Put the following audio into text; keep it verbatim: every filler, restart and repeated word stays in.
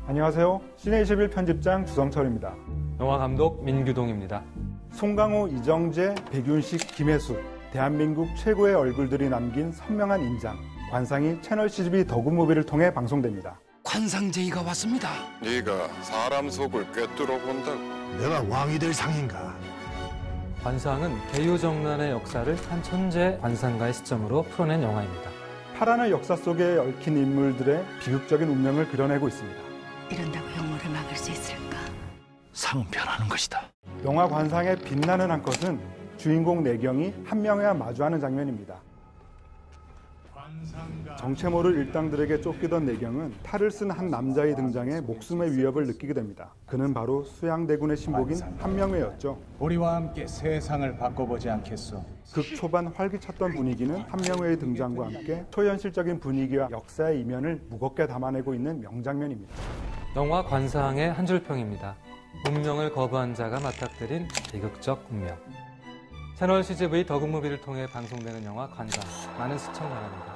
안녕하세요. 시네이십일 편집장 주성철입니다. 영화감독 민규동입니다. 송강호, 이정재, 백윤식, 김혜수, 대한민국 최고의 얼굴들이 남긴 선명한 인장, 관상이 채널 씨지비 더굿무비를 통해 방송됩니다. 관상제의가 왔습니다. 네가 사람 속을 꿰뚫어 본다고. 내가 왕이 될 상인가? 관상은 개유정란의 역사를 한 천재 관상가의 시점으로 풀어낸 영화입니다. 파란의 역사 속에 얽힌 인물들의 비극적인 운명을 그려내고 있습니다. 이런다고 혐오를 막을 수 있을까? 상은 변하는 것이다. 영화 관상의 빛나는 한 컷은 주인공 내경이 한명회와 마주하는 장면입니다. 정체 모를 일당들에게 쫓기던 내경은 탈을 쓴 한 남자의 등장에 목숨의 위협을 느끼게 됩니다. 그는 바로 수양대군의 신복인 한명회였죠. 우리와 함께 세상을 바꿔보지 않겠소? 극 초반 활기찼던 분위기는 한명회의 등장과 함께 초현실적인 분위기와 역사의 이면을 무겁게 담아내고 있는 명장면입니다. 영화 관상의 한 줄평입니다. 운명을 거부한 자가 맞닥뜨린 비극적 운명. 채널 씨지비 더굿무비를 통해 방송되는 영화 관상, 많은 시청 바랍니다.